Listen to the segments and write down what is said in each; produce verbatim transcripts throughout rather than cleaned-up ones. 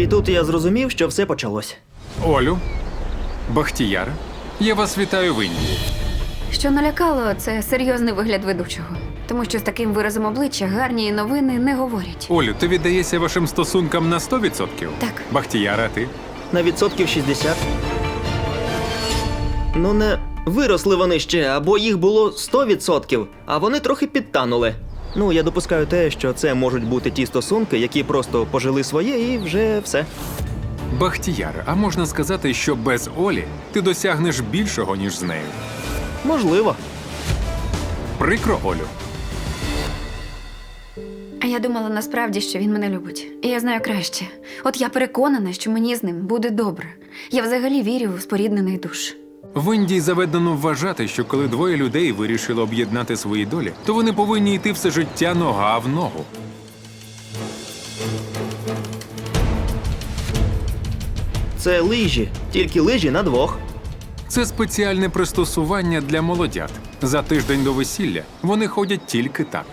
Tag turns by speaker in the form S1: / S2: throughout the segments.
S1: І тут я зрозумів, що все почалось.
S2: Олю, Бахтіяр, я вас вітаю в Індії.
S3: Що налякало, це серйозний вигляд ведучого. Тому що з таким виразом обличчя гарні новини не говорять.
S2: Олю, ти віддаєшся вашим стосункам на сто відсотків?
S3: Так.
S2: Бахтіяра, ти?
S1: На відсотків шістдесят. Ну не виросли вони ще, або їх було сто відсотків, а вони трохи підтанули. Ну, я допускаю те, що це можуть бути ті стосунки, які просто пожили своє і вже все.
S2: Бахтіяр, а можна сказати, що без Олі ти досягнеш більшого, ніж з нею?
S1: Можливо.
S2: Прикро, Олю.
S3: А я думала насправді, що він мене любить. І я знаю краще. От я переконана, що мені з ним буде добре. Я взагалі вірю в споріднених душ.
S2: В Індії заведено вважати, що коли двоє людей вирішили об'єднати свої долі, то вони повинні йти все життя нога в ногу.
S1: Це лижі, тільки лижі на двох.
S2: Це спеціальне пристосування для молодят. За тиждень до весілля вони ходять тільки так.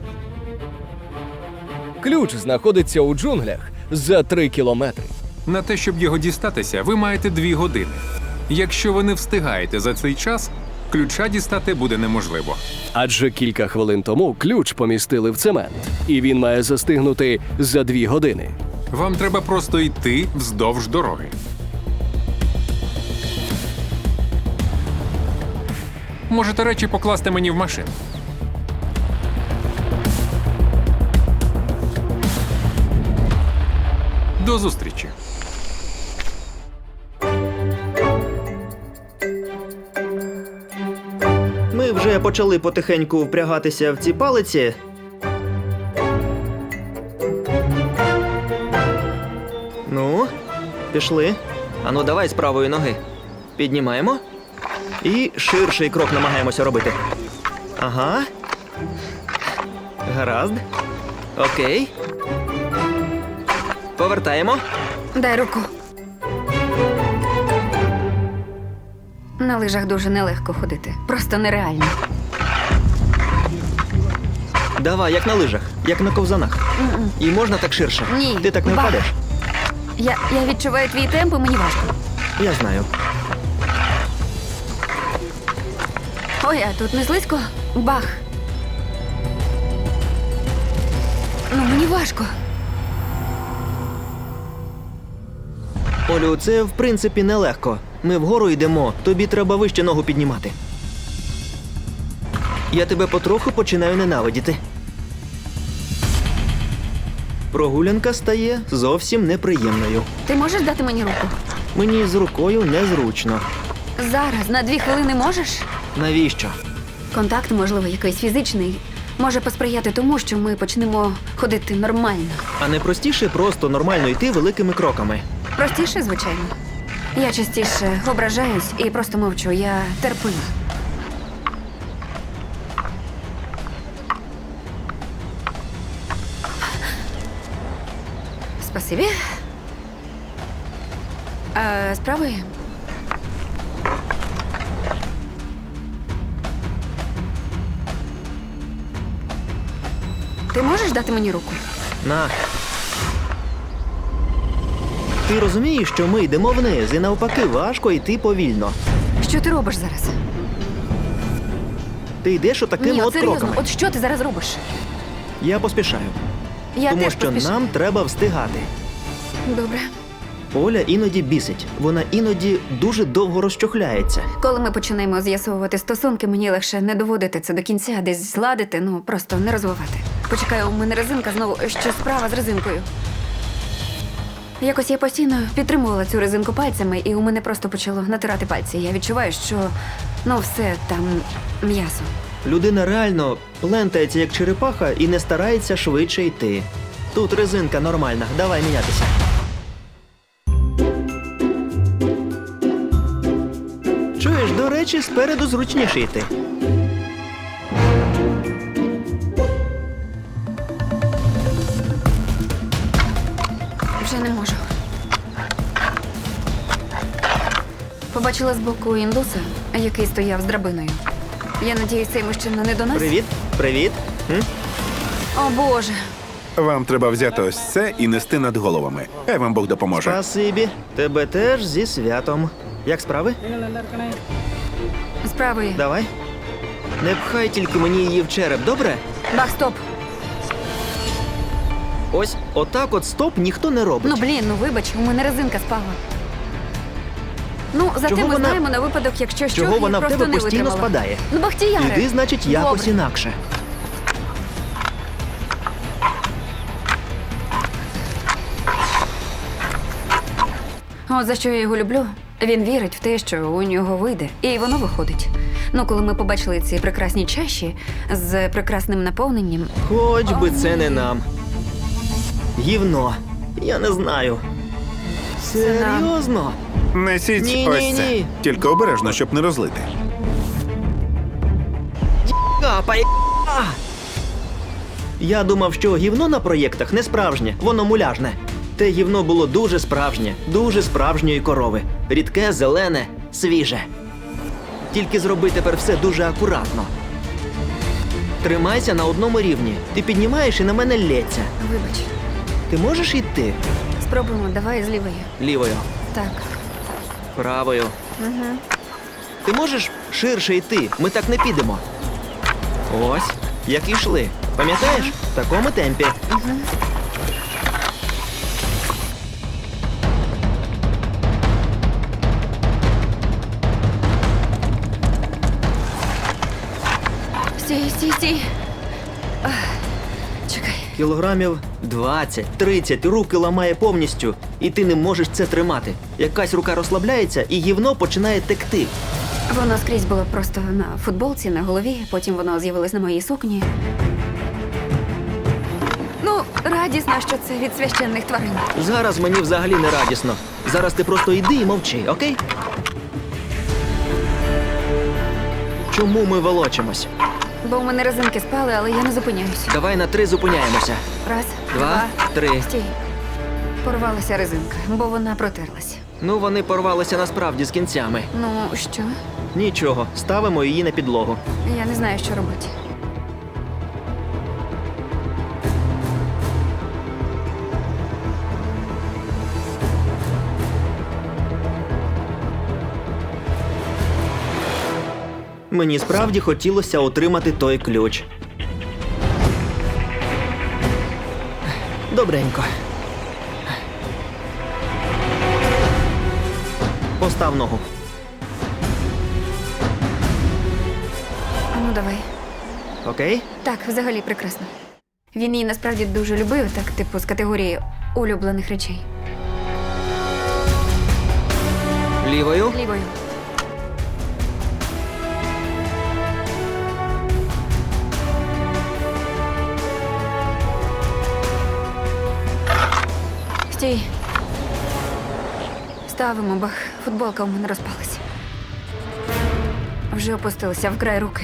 S4: Ключ знаходиться у джунглях за три кілометри.
S2: На те, щоб його дістатися, ви маєте дві години. Якщо ви не встигаєте за цей час, ключа дістати буде неможливо.
S4: Адже кілька хвилин тому ключ помістили в цемент, і він має застигнути за дві години.
S2: Вам треба просто йти вздовж дороги. Можете речі покласти мені в машину. До зустрічі.
S1: Ми вже почали потихеньку впрягатися в ці палиці. Ну, пішли. Ану, давай з правої ноги. Піднімаємо. І ширший крок намагаємося робити. Ага. Гаразд. Окей. Повертаємо.
S3: Дай руку. На лижах дуже нелегко ходити. Просто нереально.
S1: Давай, як на лижах, як на ковзанах. І можна так ширше.
S3: Ні.
S1: Ти так не
S3: Бах.
S1: впадеш?
S3: Я, я відчуваю твій темп, і мені важко.
S1: Я знаю.
S3: Ой, а тут не слизько? Бах. Ну, мені важко.
S1: Олю, це в принципі нелегко. Ми вгору йдемо, тобі треба вище ногу піднімати. Я тебе потроху починаю ненавидіти. Прогулянка стає зовсім неприємною.
S3: Ти можеш дати мені руку?
S1: Мені з рукою незручно.
S3: Зараз, на дві хвилини можеш?
S1: Навіщо?
S3: Контакт, можливо, якийсь фізичний, може посприяти тому, що ми почнемо ходити нормально.
S1: А не простіше просто нормально йти великими кроками.
S3: Простіше, звичайно. Я частіше ображаюсь і просто мовчу. Я терплю. Спасибі. А, з правої? Ти можеш дати мені руку?
S1: На. Ти розумієш, що ми йдемо вниз, і навпаки важко йти повільно.
S3: Що ти робиш зараз?
S1: Ти йдеш отакими
S3: Ні,
S1: от
S3: от серйозно,
S1: кроками.
S3: от що ти зараз робиш?
S1: Я поспішаю.
S3: Я
S1: тому
S3: теж
S1: що
S3: поспішаю.
S1: нам треба встигати.
S3: Добре.
S1: Оля іноді бісить. Вона іноді дуже довго розчохляється.
S3: Коли ми починаємо з'ясовувати стосунки, мені легше не доводити це до кінця, десь зладити, ну просто не розвивати. Почекаю, у мене резинка знову, що справа з резинкою. Якось я постійно підтримувала цю резинку пальцями, і у мене просто почало натирати пальці. Я відчуваю, що ну все там м'ясо.
S1: Людина реально плентається як черепаха і не старається швидше йти. Тут резинка нормальна, давай мінятися. Чуєш, до речі, спереду зручніше йти.
S3: Вже не можу. Побачила збоку індуса, який стояв з драбиною. Я надіюсь, цей мужчина не до нас?
S1: Привіт, привіт. М?
S3: О, Боже.
S5: Вам треба взяти ось це і нести над головами. Хай вам Бог допоможе.
S1: Спасибі. Тебе теж зі святом. Як справи?
S3: Справи.
S1: Давай. Не пхай тільки мені її в череп, добре?
S3: Бах, стоп.
S1: Ось отак от стоп ніхто не робить.
S3: Ну блін, ну вибач, у мене резинка спала. Ну, зате
S1: Чого
S3: ми
S1: вона-
S3: знаємо на випадок, якщо що,
S1: Чого
S3: я
S1: вона в
S3: просто
S1: тебе
S3: не
S1: постійно
S3: витримала.
S1: спадає?
S3: Ну, Бахтіяре.
S1: Іди, значить, якось
S3: Добре.
S1: інакше.
S3: От за що я його люблю. Він вірить в те, що у нього вийде, і воно виходить. Ну, коли ми побачили ці прекрасні чаші з прекрасним наповненням,
S1: Хоч би
S3: О,
S1: це
S3: ні.
S1: не нам. Гівно. Я не знаю.
S3: Це нам.
S1: Серйозно?
S5: Несіть
S1: Ні,
S5: ось
S1: ні,
S5: це.
S1: ні.
S5: Тільки обережно, щоб не розлити.
S1: Капай. А! Я думав, що гівно на проєктах не справжнє, воно муляжне. Те гівно було дуже справжнє, дуже справжньої корови. Рідке, зелене, свіже. Tільки зроби тепер все дуже акуратно. Тримайся на одному рівні. Ти піднімаєш і на мене лється.
S3: вибач,
S1: Ти можеш йти?
S3: спробуємо, давай з лівої.
S1: Лівою,
S3: Так.
S1: правою.
S3: Угу.
S1: Ти можеш ширше йти? Ми так не підемо. Ось, як і йшли. Пам'ятаєш? В такому темпі.
S3: Стій, стій, стій. Ах, чекай.
S1: Кілограмів двадцять тридцять, руки ламає повністю, і ти не можеш це тримати. Якась рука розслабляється, і гівно починає текти.
S3: Воно скрізь було просто на футболці, на голові, потім воно з'явилось на моїй сукні. Ну, радісно, що це від священних тварин.
S1: Зараз мені взагалі не радісно. Зараз ти просто йди і мовчи, окей? Чому ми волочимось?
S3: Бо у мене резинки спали, але я не зупиняюсь.
S1: Давай на три зупиняємося.
S3: Раз,
S1: Два, три.
S3: Стій. Порвалася резинка, бо вона протерлась.
S1: Ну, вони порвалися насправді з кінцями.
S3: Ну, що?
S1: Нічого, ставимо її на підлогу.
S3: Я не знаю, що робити.
S1: Мені справді хотілося отримати той ключ. Добренько. Постав ногу.
S3: А ну давай.
S1: Окей?
S3: Так, взагалі прекрасно. Він її насправді дуже любив, так, типу, з категорії улюблених речей.
S1: Лівою.
S3: Лівою. Стій. Ставимо, бах. Футболка у мене розпалась. Вже опустилася в край руки.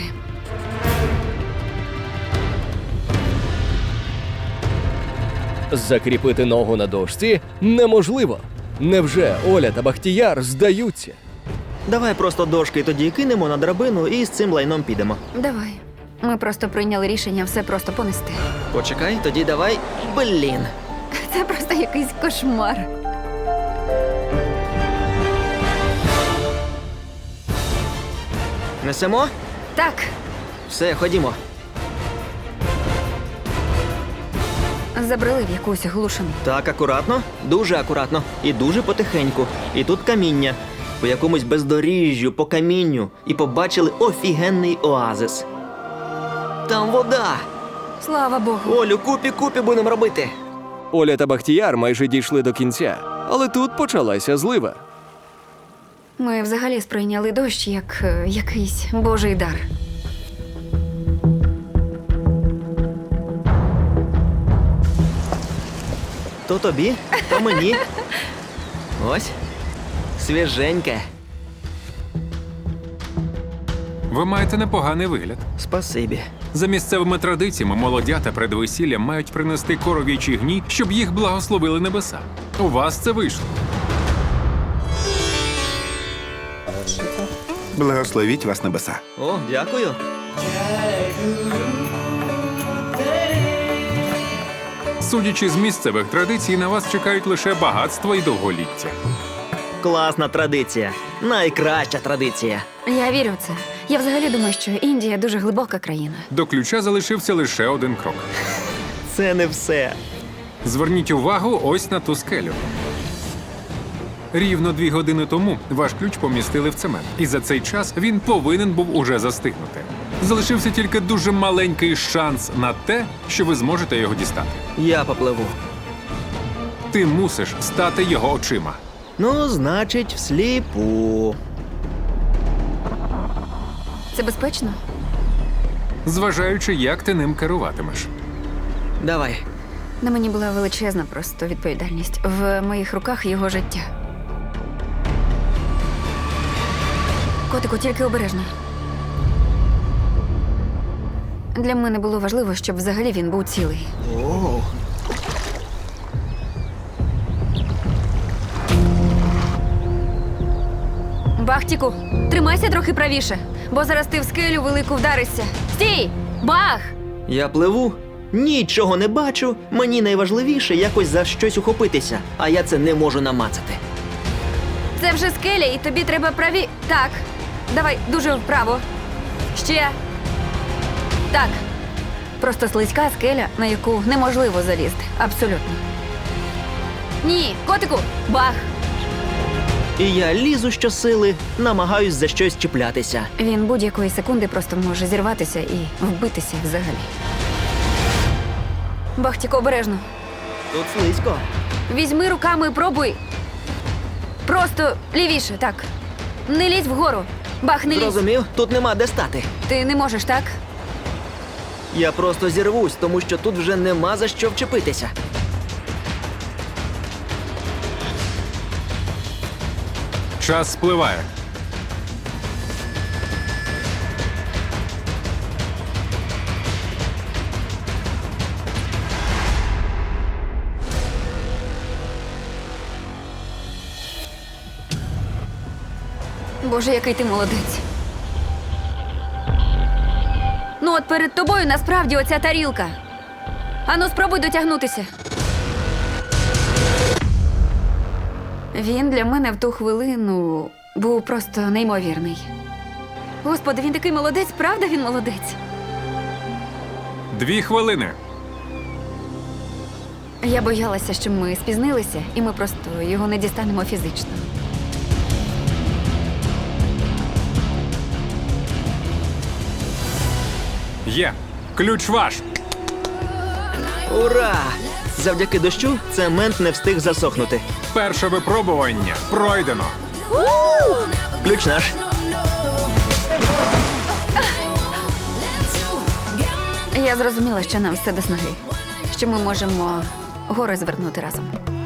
S4: Закріпити ногу на дошці неможливо. Невже Оля та Бахтіяр здаються?
S1: Давай просто дошки тоді кинемо на драбину і з цим лайном підемо.
S3: Давай. Ми просто прийняли рішення все просто понести.
S1: Почекай, тоді давай. Блін.
S3: Це просто якийсь кошмар.
S1: Несемо?
S3: Так,
S1: Все, ходімо.
S3: забрали в якусь глушину.
S1: Так, акуратно, дуже акуратно і дуже потихеньку. І тут каміння. По якомусь бездоріжжю, по камінню. І побачили офігенний оазис. Там вода.
S3: Слава Богу.
S1: Олю, купі-купі будемо робити.
S4: Оля та Бахтіяр майже дійшли до кінця, але тут почалася злива.
S3: Ми взагалі сприйняли дощ як е, якийсь божий дар.
S1: То тобі, то мені. Ось. Свіженьке.
S2: Ви маєте непоганий вигляд.
S1: Спасибі.
S2: За місцевими традиціями молодята перед весіллям мають принести коров'ячі гні, щоб їх благословили небеса. У вас це вийшло.
S5: Благословіть вас небеса.
S1: О, дякую.
S2: Судячи з місцевих традицій, на вас чекають лише багатство і довголіття.
S1: Класна традиція. Найкраща традиція.
S3: Я вірю в це. Я взагалі думаю, що Індія дуже глибока країна.
S2: До ключа залишився лише один крок.
S1: Це не все.
S2: Зверніть увагу ось на ту скелю. Рівно дві години тому ваш ключ помістили в цемент, і за цей час він повинен був уже застигнути. Залишився тільки дуже маленький шанс на те, що ви зможете його дістати.
S1: Я попливу.
S2: Ти мусиш стати його очима.
S1: Ну, значить, всліпу.
S3: Це безпечно?
S2: Зважаючи, як ти ним керуватимеш.
S1: Давай.
S3: На мені була величезна просто відповідальність. В моїх руках його життя. Котику, тільки обережно. Для мене було важливо, щоб взагалі він був цілий.
S1: Оу.
S3: Бахтіку, тримайся трохи правіше, бо зараз ти в скелю велику вдаришся. Стій! Бах!
S1: Я пливу, нічого не бачу. Мені найважливіше якось за щось ухопитися, а я це не можу намацати.
S3: Це вже скеля, і тобі треба праві. Так. Давай дуже вправо. Ще. Так. Просто слизька скеля, на яку неможливо залізти. Абсолютно. Ні, котику, бах!
S1: І я лізу щосили, намагаюсь за щось чіплятися.
S3: Він будь-якої секунди просто може зірватися і вбитися взагалі. Бахтіко, обережно.
S1: Тут слизько.
S3: Візьми руками, пробуй. Просто лівіше, так. Не лізь вгору. Бах, не лізь.
S1: Зрозумів? Тут нема де стати.
S3: Ти не можеш, так?
S1: Я просто зірвусь, тому що тут вже нема за що вчепитися.
S2: Час спливає.
S3: Боже, який ти молодець. Ну от перед тобою насправді оця тарілка. Ану, спробуй дотягнутися. Він для мене в ту хвилину був просто неймовірний. Господи, він такий молодець, правда він молодець?
S2: Дві хвилини.
S3: Я боялася, що ми спізнилися, і ми просто його не дістанемо фізично.
S2: Є. Ключ ваш.
S1: Ура! Завдяки дощу цемент не встиг засохнути.
S2: Перше випробування пройдено.
S1: Ключ наш.
S3: Я зрозуміла, що нам все до снаги. Що ми можемо гори звернути разом.